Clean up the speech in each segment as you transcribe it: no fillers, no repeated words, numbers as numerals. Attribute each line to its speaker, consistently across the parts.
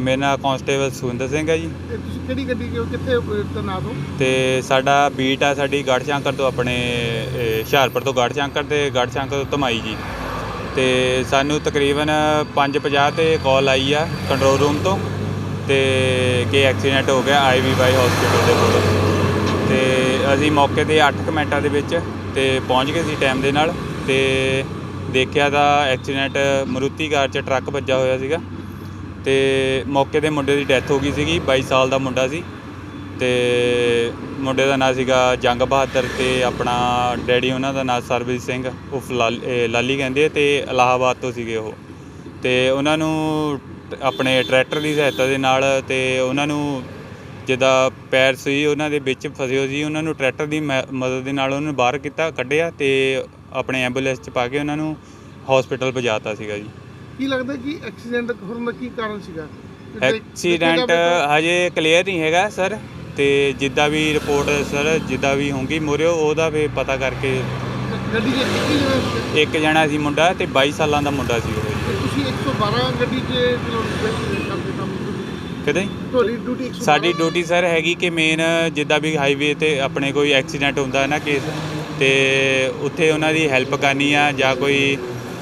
Speaker 1: ਮੇਰਾ ਨਾਮ ਕਾਂਸਟੇਬਲ ਸੁਖਿੰਦਰ ਸਿੰਘ ਹੈ ਜੀ।
Speaker 2: ਤੇ ਤੁਸੀਂ ਕਿਹੜੀ ਗੱਡੀ ਕਿੱਥੇ ਤੈਨਾਤ ਹੋ?
Speaker 1: ਤੇ ਸਾਡਾ ਬੀਟ ਆ ਸਾਡੀ ਗੜ੍ਹਸ਼ੰਕਰ ਤੋਂ ਆਪਣੇ ਹੁਸ਼ਿਆਰਪੁਰ ਤੋਂ ਗੜ੍ਹਸ਼ੰਕਰ ਤੇ ਗੜ੍ਹਸ਼ੰਕਰ ਤੋਂ ਧਮਾਈ ਜੀ। ਤੇ ਸਾਨੂੰ ਤਕਰੀਬਨ 5:50 ਤੇ ਕਾਲ ਆਈ ਆ ਕੰਟਰੋਲ ਰੂਮ ਤੋਂ ਤੇ ਕਿ ਐਕਸੀਡੈਂਟ ਹੋ ਗਿਆ IVY ਹਸਪੀਟਲ ਦੇ ਕੋਲ। ਤੇ ਅਸੀਂ ਮੌਕੇ 'ਤੇ 8 ਕੁ ਮਿੰਟਾਂ ਦੇ ਵਿੱਚ ਤੇ ਪਹੁੰਚ ਗਏ ਸੀ ਟਾਈਮ ਦੇ ਨਾਲ। ਤੇ ਦੇਖਿਆ ਤਾਂ ਐਕਸੀਡੈਂਟ ਮਾਰੂਤੀ ਕਾਰ 'ਚ ਟਰੱਕ ਵੱਜਾ ਹੋਇਆ ਸੀਗਾ ਤੇ ਮੌਕੇ 'ਤੇ ਮੁੰਡੇ ਦੀ ਡੈਥ ਹੋ ਗਈ ਸੀਗੀ। 22 ਸਾਲ ਦਾ ਮੁੰਡਾ ਸੀ ਤੇ ਮੁੰਡੇ ਦਾ ਨਾਂ ਸੀਗਾ ਜੰਗ ਬਹਾਦਰ ਤੇ ਆਪਣਾ ਡੈਡੀ ਉਹਨਾਂ ਦਾ ਨਾਂ ਸਰਬਜੀਤ ਸਿੰਘ ਉਫ ਲਾਲੀ ਕਹਿੰਦੇ ਤੇ ਇਲਾਹਾਬਾਦ ਤੋਂ ਸੀਗੇ ਉਹ। ਤੇ ਉਹਨਾਂ ਨੂੰ ਆਪਣੇ ਟਰੈਕਟਰ ਦੀ ਸਹਾਇਤਾ ਦੇ ਨਾਲ ਤੇ ਉਹਨਾਂ ਨੂੰ ਜਿੱਦਾਂ ਪੈਰ ਸੀ ਉਹਨਾਂ ਦੇ ਵਿੱਚ ਫਸੇ ਹੋਏ ਸੀ, ਉਹਨਾਂ ਨੂੰ ਟਰੈਕਟਰ ਦੀ ਮਦਦ ਦੇ ਨਾਲ ਉਹਨਾਂ ਨੂੰ ਬਾਹਰ ਕੱਢਿਆ ਤੇ ਆਪਣੇ ਐਂਬੂਲੈਂਸ 'ਚ ਪਾ ਕੇ ਉਹਨਾਂ ਨੂੰ ਹਸਪੀਟਲ ਪਹੁੰਚਾਤਾ ਸੀਗਾ ਜੀ।
Speaker 2: ਕੀ ਲੱਗਦਾ ਕਿ ਐਕਸੀਡੈਂਟ ਹੋਣ ਦਾ ਕੀ ਕਾਰਨ ਸੀਗਾ?
Speaker 1: ਐਕਸੀਡੈਂਟ ਹਜੇ ਕਲੀਅਰ ਨਹੀਂ ਹੈਗਾ ਸਰ। ਤੇ ਜਿੱਦਾਂ ਵੀ ਰਿਪੋਰਟ ਸਰ ਜਿੱਦਾਂ ਵੀ ਹੋਊਗੀ ਮੂਹਰੇ ਉਹਦਾ ਫਿਰ ਪਤਾ ਕਰਕੇ।
Speaker 2: ਗੱਡੀ 'ਚ
Speaker 1: ਇੱਕ ਜਣਾ ਸੀ ਮੁੰਡਾ ਤੇ 22 ਸਾਲਾਂ ਦਾ ਮੁੰਡਾ ਸੀ ਉਹ ਜੀ।
Speaker 2: ਤੁਸੀਂ 112 ਗੱਡੀ 'ਚ ਕਰਦੇ ਕੰਮ
Speaker 1: ਕਿਤੇ
Speaker 2: ਤੁਹਾਡੀ ਡਿਊਟੀ 112?
Speaker 1: ਸਾਡੀ ਡਿਊਟੀ ਸਰ ਹੈਗੀ ਕਿ ਮੇਨ ਜਿੱਦਾਂ ਵੀ ਹਾਈਵੇ 'ਤੇ ਆਪਣੇ ਕੋਈ ਐਕਸੀਡੈਂਟ ਹੁੰਦਾ ਨਾ ਕੇਸ ਤੇ ਉੱਥੇ ਉਹਨਾਂ ਦੀ ਹੈਲਪ ਕਰਨੀ ਆ ਜਾਂ ਕੋਈ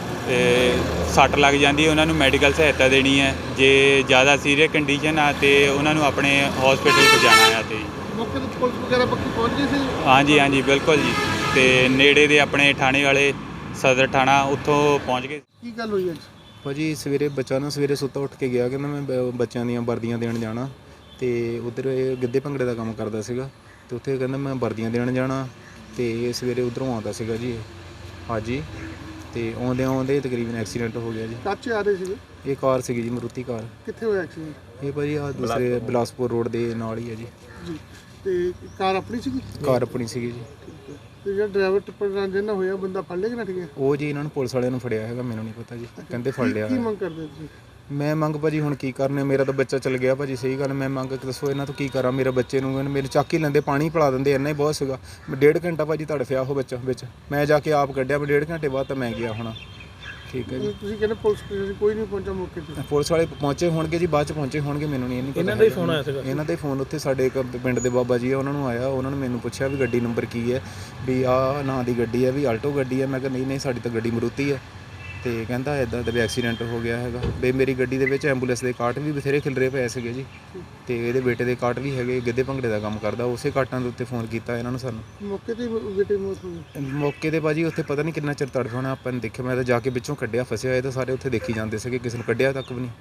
Speaker 1: ਸੱਟ ਲੱਗ ਜਾਂਦੀ ਉਹਨਾਂ ਨੂੰ ਮੈਡੀਕਲ ਸਹਾਇਤਾ ਦੇਣੀ ਹੈ। ਜੇ ਜ਼ਿਆਦਾ ਸੀਰੀਅਸ ਕੰਡੀਸ਼ਨ ਆ ਤੇ ਉਹਨਾਂ ਨੂੰ ਆਪਣੇ ਹਸਪੀਟਲ ਪਹੁੰਚਾਉਣਾ ਆ। ਤੇ
Speaker 2: ਮੌਕੇ 'ਤੇ ਪੁਲਿਸ ਵਗੈਰਾ ਪੱਕੀ ਪਹੁੰਚ ਗਈ ਸੀ?
Speaker 1: ਹਾਂਜੀ ਬਿਲਕੁਲ ਜੀ। ਤੇ ਨੇੜੇ ਦੇ ਆਪਣੇ ਥਾਣੇ ਵਾਲੇ ਸਦਰ ਥਾਣਾ ਉੱਥੋਂ ਪਹੁੰਚ ਗਏ।
Speaker 2: ਕੀ ਗੱਲ ਹੋਈ ਅੱਜ?
Speaker 3: ਭਾਜੀ ਸਵੇਰੇ ਬੱਚਾ ਨਾ ਸਵੇਰੇ ਸੁੱਤਾ ਉੱਠ ਕੇ ਗਿਆ ਕਹਿੰਦਾ ਮੈਂ ਬੱਚਿਆਂ ਦੀਆਂ ਵਰਦੀਆਂ ਦੇਣ ਜਾਣਾ। ਤੇ ਉੱਧਰ ਇਹ ਗਿੱਧੇ ਭੰਗੜੇ ਦਾ ਕੰਮ ਕਰਦਾ ਸੀਗਾ ਤੇ ਉੱਥੇ ਕਹਿੰਦਾ ਮੈਂ ਵਰਦੀਆਂ ਦੇਣ ਜਾਣਾ। ਤੇ ਸਵੇਰੇ ਉੱਧਰੋਂ ਆਉਂਦਾ ਸੀਗਾ ਜੀ ਹਾਂਜੀ। ਤੇ ਆਉਂਦੇ ਤਕਰੀਬਨ ਐਕਸੀਡੈਂਟ ਹੋ ਗਿਆ ਜੀ।
Speaker 2: ਕਾਚੇ ਆ ਰਹੇ ਸੀਗੇ? ਇਹ
Speaker 3: ਕਾਰ ਸੀਗੀ ਜੀ ਮਾਰੂਤੀ ਕਾਰ।
Speaker 2: ਕਿੱਥੇ ਹੋਇਆ ਐਕਸੀਡੈਂਟ?
Speaker 3: ਇਹ ਭਾਜੀ ਆਹ ਦੂਸਰੇ ਬਿਲਾਸਪੁਰ ਰੋਡ ਦੇ ਨਾਲ ਹੀ ਹੈ ਜੀ।
Speaker 2: ਤੇ ਕਾਰ ਆਪਣੀ ਸੀਗੀ?
Speaker 3: ਕਾਰ ਆਪਣੀ ਸੀਗੀ ਜੀ।
Speaker 2: ਤੇ ਜਿਹੜਾ ਡਰਾਈਵਰ ਟਿੱਪਰ ਜਿਹਨਾਂ ਹੋਇਆ ਬੰਦਾ ਫੜ ਲਿਆ ਕਿ ਨੱਠ ਗਿਆ?
Speaker 3: ਉਹ ਜੀ ਇਹਨਾਂ ਨੂੰ ਪੁਲਿਸ ਵਾਲਿਆਂ ਨੂੰ ਫੜਿਆ ਹੈਗਾ, ਮੈਨੂੰ ਨਹੀਂ ਪਤਾ ਜੀ। ਕਹਿੰਦੇ ਫੜ ਲਿਆ।
Speaker 2: ਕੀ ਮੰਗ ਕਰਦੇ ਤੁਸੀਂ?
Speaker 3: ਮੈਂ ਮੰਗ ਭਾਜੀ ਹੁਣ ਕੀ ਕਰਨੇ, ਮੇਰਾ ਤਾਂ ਬੱਚਾ ਚਲ ਗਿਆ ਭਾਜੀ। ਸਹੀ ਗੱਲ ਮੈਂ ਮੰਗ ਦੱਸੋ ਇਹਨਾਂ ਤੋਂ ਕੀ ਕਰਾਂ? ਮੇਰੇ ਬੱਚੇ ਨੂੰ ਮੇਰੇ ਚੱਕ ਹੀ ਲੈਂਦੇ, ਪਾਣੀ ਪਿਲਾ ਦਿੰਦੇ, ਇੰਨਾ ਹੀ ਬਹੁਤ ਸੀਗਾ। ਮੈਂ 1.5 ਘੰਟਾ ਭਾਜੀ ਤੜਫਿਆ ਉਹ ਬੱਚਾ ਵਿੱਚ। ਮੈਂ ਜਾ ਕੇ ਆਪ ਕੱਢਿਆ। ਮੈਂ 1.5 ਘੰਟੇ ਬਾਅਦ ਤਾਂ ਮੈਂ ਗਿਆ ਹੋਣਾ। ਠੀਕ ਹੈ ਜੀ।
Speaker 2: ਤੁਸੀਂ ਕਹਿੰਦੇ ਪੁਲਿਸ ਕੋਈ ਨਹੀਂ ਪਹੁੰਚਾ ਮੌਕੇ 'ਤੇ?
Speaker 3: ਪੁਲਿਸ ਵਾਲੇ ਪਹੁੰਚੇ ਹੋਣਗੇ ਜੀ, ਬਾਅਦ 'ਚ ਪਹੁੰਚੇ ਹੋਣਗੇ, ਮੈਨੂੰ ਨਹੀਂ ਪਤਾ। ਇਹਨਾਂ ਦਾ ਹੀ ਫੋਨ ਆਇਆ ਸੀਗਾ? ਇਹਨਾਂ ਦਾ ਹੀ ਫੋਨ ਉੱਥੇ ਸਾਡੇ ਇੱਕ ਪਿੰਡ ਦੇ ਬਾਬਾ ਜੀ ਆ ਉਹਨਾਂ ਨੂੰ ਆਇਆ। ਉਹਨਾਂ ਨੇ ਮੈਨੂੰ ਪੁੱਛਿਆ ਵੀ ਗੱਡੀ ਨੰਬਰ ਕੀ ਹੈ, ਵੀ ਆਹ ਨਾਂ ਦੀ ਗੱਡੀ ਹੈ, ਵੀ ਆਲਟੋ ਗੱਡੀ ਹੈ। ਮੈਂ ਕਿਹਾ ਨਹੀਂ ਸਾਡੀ ਤਾਂ ਗੱਡੀ ਮਾਰੂਤੀ ਹੈ। ਤੇ ਕਹਿੰਦਾ ਇੱਦਾਂ ਦਾ ਵੀ ਐਕਸੀਡੈਂਟ ਹੋ ਗਿਆ ਹੈਗਾ। ਵੀ ਮੇਰੀ ਗੱਡੀ ਦੇ ਵਿੱਚ ਐਂਬੂਲੈਂਸ ਦੇ ਕਾਟ ਵੀ ਬਥੇਰੇ ਖਿਲਰੇ ਪਏ ਸੀਗੇ ਜੀ। ਤੇ ਇਹਦੇ ਬੇਟੇ ਦੇ ਕਾਟ ਵੀ ਹੈਗੇ, ਗਿੱਧੇ ਭੰਗੜੇ ਦਾ ਕੰਮ ਕਰਦਾ। ਉਸੇ ਕਾਟਾਂ ਦੇ ਉੱਤੇ ਫੋਨ ਕੀਤਾ ਇਹਨਾਂ ਨੂੰ ਸਾਨੂੰ।
Speaker 2: ਮੌਕੇ 'ਤੇ ਬੇਟੇ ਮੌਤ ਹੋ ਗਈ?
Speaker 3: ਮੌਕੇ 'ਤੇ ਭਾਜੀ ਉੱਥੇ ਪਤਾ ਨਹੀਂ ਕਿੰਨਾ ਚਿਰ ਤੜਫਣਾ ਆਪਾਂ ਨੇ ਦੇਖਿਆ। ਮੈਂ ਤਾਂ ਜਾ ਕੇ ਵਿੱਚੋਂ ਕੱਢਿਆ, ਫਸਿਆ ਹੋਇਆ ਤਾਂ ਸਾਰੇ ਉੱਥੇ ਦੇਖੀ ਜਾਂਦੇ ਸੀਗੇ, ਕਿਸੇ ਨੂੰ ਕੱਢਿਆ ਤੱਕ ਵੀ ਨਹੀਂ।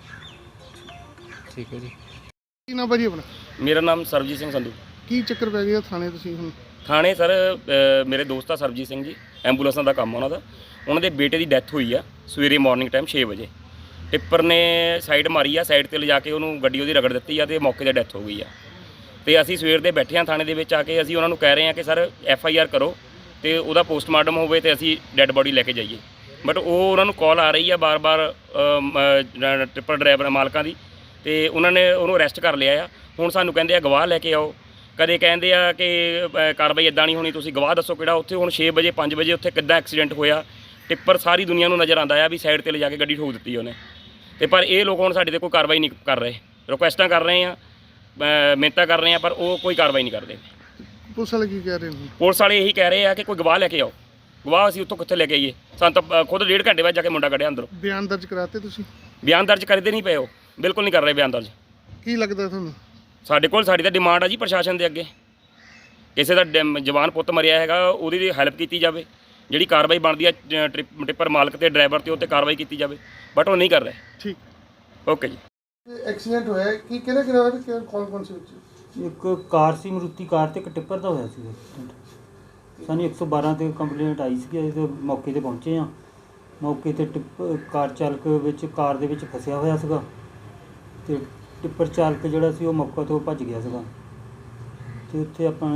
Speaker 3: ਠੀਕ ਹੈ ਜੀ।
Speaker 2: ਕੀ ਨਾਮ ਭਾਜੀ ਆਪਣਾ?
Speaker 4: ਮੇਰਾ ਨਾਮ ਸਰਬਜੀਤ ਸਿੰਘ ਸੰਧੂ।
Speaker 2: ਕੀ ਚੱਕਰ ਪੈ ਗਿਆ ਥਾਣੇ ਤੁਸੀਂ ਹੁਣ?
Speaker 4: ਥਾਣੇ ਸਰ ਮੇਰੇ ਦੋਸਤ ਆ ਸਰਬਜੀਤ ਸਿੰਘ ਜੀ, ਐਂਬੂਲੈਂਸਾਂ ਦਾ ਕੰਮ ਉਹਨਾਂ ਦਾ। ਉਹਨਾਂ ਦੇ ਬੇਟੇ ਦੀ ਡੈਥ ਹੋਈ ਆ ਸਵੇਰੇ ਮਾਰਨਿੰਗ ਟਾਈਮ 6 ਵਜੇ। ਟਿੱਪਰ ਨੇ ਸਾਈਡ ਮਾਰੀ ਆ, ਸਾਈਡ 'ਤੇ ਲਿਜਾ ਕੇ ਉਹਨੂੰ ਗੱਡੀ ਉਹਦੀ ਰਗੜ ਦਿੱਤੀ ਆ ਤੇ ਮੌਕੇ 'ਤੇ ਡੈਥ ਹੋ ਗਈ ਆ। ਤੇ ਅਸੀਂ ਸਵੇਰ ਦੇ ਬੈਠੇ ਹਾਂ ਥਾਣੇ ਦੇ ਵਿੱਚ ਆ ਕੇ। ਅਸੀਂ ਉਹਨਾਂ ਨੂੰ ਕਹਿ ਰਹੇ ਹਾਂ ਕਿ ਸਰ FIR ਕਰੋ ਤੇ ਉਹਦਾ ਪੋਸਟਮਾਰਟਮ ਹੋਵੇ ਤੇ ਅਸੀਂ ਡੈੱਡ ਬੋਡੀ ਲੈ ਕੇ ਜਾਈਏ। ਬਟ ਉਹ ਉਹਨਾਂ ਨੂੰ ਕਾਲ ਆ ਰਹੀ ਆ ਬਾਰ-ਬਾਰ ਟਿੱਪਰ ਡਰਾਈਵਰ ਮਾਲਕਾਂ ਦੀ, ਤੇ ਉਹਨਾਂ ਨੇ ਉਹਨੂੰ ਅਰੈਸਟ ਕਰ ਲਿਆ ਆ। ਹੁਣ ਸਾਨੂੰ ਕਹਿੰਦੇ ਆ ਗਵਾਹ ਲੈ ਕੇ ਆਓ। ਕਦੇ ਕਹਿੰਦੇ ਆ ਕਿ ਕਾਰਵਾਈ ਇੱਦਾਂ ਨਹੀਂ ਹੋਣੀ, ਤੁਸੀਂ ਗਵਾਹ ਦੱਸੋ ਕਿਹੜਾ। ਉੱਥੇ ਹੁਣ 6 ਵਜੇ 5 ਵਜੇ ਉੱਥੇ ਕਿੱਦਾਂ ਐਕਸੀਡੈਂਟ ਹੋਇਆ? ਟਿੱਪਰ ਸਾਰੀ ਦੁਨੀਆ ਨੂੰ ਨਜ਼ਰ ਆਉਂਦਾ ਆ ਵੀ ਸਾਈਡ 'ਤੇ ਲਿਜਾ ਕੇ ਗੱਡੀ ਠੋਕ ਦਿੱਤੀ ਉਹਨੇ। ਤੇ ਪਰ ਇਹ ਲੋਕ ਹੁਣ ਸਾਡੇ 'ਤੇ ਕੋਈ ਕਾਰਵਾਈ ਨਹੀਂ ਕਰ ਰਹੇ। ਰਿਕੁਐਸਟਾਂ ਕਰ ਰਹੇ ਆ, ਮਿਹਨਤਾਂ ਕਰ ਰਹੇ ਆ, ਪਰ ਉਹ ਕੋਈ ਕਾਰਵਾਈ ਨਹੀਂ ਕਰਦੇ।
Speaker 2: ਪੁਲਿਸ ਵਾਲੇ ਕੀ ਕਹਿ ਰਹੇ ਨੇ?
Speaker 4: ਪੁਲਿਸ ਵਾਲੇ ਇਹੀ ਕਹਿ ਰਹੇ ਆ ਕਿ ਕੋਈ ਗਵਾਹ ਲੈ ਕੇ ਆਓ। ਗਵਾਹ ਅਸੀਂ ਉੱਥੋਂ ਕਿੱਥੇ ਲੈ ਕੇ ਆਈਏ? ਸਾਨੂੰ ਤਾਂ ਖੁਦ 1.5 ਘੰਟੇ ਬਾਅਦ ਜਾ ਕੇ ਮੁੰਡਾ ਕੱਢਿਆ ਅੰਦਰੋਂ।
Speaker 2: ਬਿਆਨ ਦਰਜ ਕਰਾਤੇ ਤੁਸੀਂ?
Speaker 4: ਬਿਆਨ ਦਰਜ ਕਰਦੇ ਨਹੀਂ ਪਏ, ਉਹ ਬਿਲਕੁਲ ਨਹੀਂ ਕਰ ਰਹੇ ਬਿਆਨ ਦਰਜ।
Speaker 2: ਕੀ ਲੱਗਦਾ ਤੁਹਾਨੂੰ?
Speaker 4: ਸਾਡੀ ਤਾਂ ਡਿਮਾਂਡ ਆ ਜੀ ਪ੍ਰਸ਼ਾਸਨ ਦੇ ਅੱਗੇ, ਕਿਸੇ ਦਾ ਜਵਾਨ ਪੁੱਤ ਮਰਿਆ ਹੈਗਾ ਉਹਦੀ ਹੈਲਪ ਕੀਤੀ ਜਾਵੇ। ਜਿਹੜੀ ਕਾਰਵਾਈ ਬਣਦੀ ਆ ਟਿੱਪਰ ਮਾਲਕ ਤੇ ਡਰਾਈਵਰ ਤੇ ਉੱਤੇ ਕਾਰਵਾਈ ਕੀਤੀ ਜਾਵੇ, ਬਟ ਉਹ ਨਹੀਂ ਕਰ ਰਹੇ।
Speaker 2: ਠੀਕ
Speaker 4: ਓਕੇ ਜੀ।
Speaker 2: ਐਕਸੀਡੈਂਟ ਹੋਇਆ ਕੀ ਕਿਹਦੇ ਨਾਲ? ਕੌਣ ਸੀ ਵਿੱਚ?
Speaker 5: ਇੱਕ ਕਾਰ ਸੀ ਮਾਰੂਤੀ ਕਾਰ ਤੇ ਇੱਕ ਟਿੱਪਰ ਦਾ ਹੋਇਆ ਸੀ ਐਕਸੀਡੈਂਟ। ਸਾਨੂੰ 112 ਤੇ ਕੰਪਲੇਂਟ ਆਈ ਸੀ। ਅਸੀਂ ਤਾਂ ਮੌਕੇ 'ਤੇ ਪਹੁੰਚੇ ਹਾਂ। ਮੌਕੇ 'ਤੇ ਕਾਰ ਚਾਲਕ ਵਿੱਚ ਕਾਰ ਦੇ ਵਿੱਚ ਫਸਿਆ ਹੋਇਆ ਸੀਗਾ ਤੇ ਟਿੱਪਰ ਚਾਲਕ ਜਿਹੜਾ ਸੀ ਉਹ ਮੌਕੇ ਤੋਂ ਭੱਜ ਗਿਆ ਸੀਗਾ। ਤੇ ਉੱਥੇ ਆਪਾਂ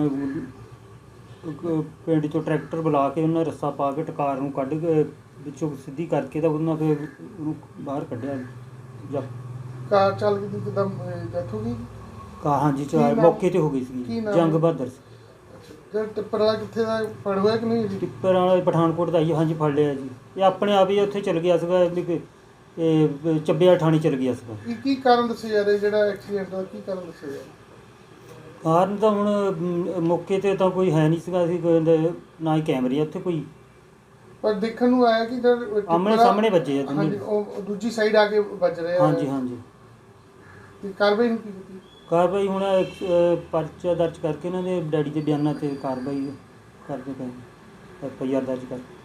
Speaker 5: ਪਿੰਡ 'ਚੋਂ ਟਰੈਕਟਰ ਬੁਲਾ ਕੇ ਉਹਨਾਂ ਰੱਸਾ ਪਾ ਕੇ ਕਾਰ ਨੂੰ ਕੱਢ ਕੇ ਵਿੱਚੋਂ ਸਿੱਧੀ ਕਰਕੇ ਤਾਂ ਉਹਨਾਂ ਫਿਰ ਉਹਨੂੰ ਬਾਹਰ ਕੱਢਿਆ। ਜਾਂ
Speaker 2: ਕਾਰ ਚਾਲਕ ਦੀ ਕਿੱਦਾਂ ਡੈਥ ਹੋ ਗਈ?
Speaker 5: ਹਾਂਜੀ ਮੌਕੇ 'ਤੇ ਹੋ ਗਈ ਸੀ। ਜੰਗ ਬਹਾਦਰ ਸੀ।
Speaker 2: ਜਿਹੜਾ ਟਿੱਪਰ ਵਾਲਾ ਕਿੱਥੇ ਦਾ ਫੜ ਹੋਇਆ ਕਿ ਨਹੀਂ?
Speaker 5: ਟਿੱਪਰ ਵਾਲਾ ਪਠਾਨਕੋਟ ਦਾ ਹੀ। ਹਾਂਜੀ ਫੜ ਲਿਆ ਜੀ। ਇਹ ਆਪਣੇ ਆਪ ਹੀ ਉੱਥੇ ਚਲ ਗਿਆ ਸੀਗਾ ਇਹ ਚੱਬਿਆ ਠਾਣੀ ਚਲ ਗਿਆ ਸੀਗਾ।
Speaker 2: ਕੀ ਕਾਰਨ ਦੱਸਿਆ ਜਾ ਰਿਹਾ ਜਿਹੜਾ ਐਕਸੀਡੈਂਟ ਦਾ, ਕੀ ਕਾਰਨ ਦੱਸਿਆ ਜਾ ਰਿਹਾ?
Speaker 5: ਕਾਰਨ ਤਾਂ ਹੁਣ ਮੌਕੇ ਤੇ ਤਾਂ ਕੋਈ ਹੈ ਨਹੀਂ ਸੀਗਾ, ਅਸੀਂ ਨਾ ਹੀ ਕੈਮਰੇ ਆ ਉੱਥੇ ਕੋਈ,
Speaker 2: ਪਰ ਦੇਖਣ ਨੂੰ ਆਇਆ ਕਿ
Speaker 5: ਆਮਣੇ ਸਾਹਮਣੇ ਵੱਜੇ ਆ
Speaker 2: ਹਾਂਜੀ, ਉਹ ਦੂਜੀ ਸਾਈਡ ਆ ਕੇ ਵੱਜ ਰਿਹਾ।
Speaker 5: ਹਾਂਜੀ ਹਾਂਜੀ।
Speaker 2: ਤੇ ਕਾਰਵਾਈ ਨੂੰ ਕੀ ਕੀਤੀ?
Speaker 5: ਕਾਰਵਾਈ ਹੁਣ ਪਰਚਾ ਦਰਜ ਕਰਕੇ ਇਹਨਾਂ ਦੇ ਡੈਡੀ ਦੇ ਬਿਆਨਾਂ ਤੇ ਕਾਰਵਾਈ ਕਰਦੇ ਪਏ, FIR ਦਰਜ ਕਰ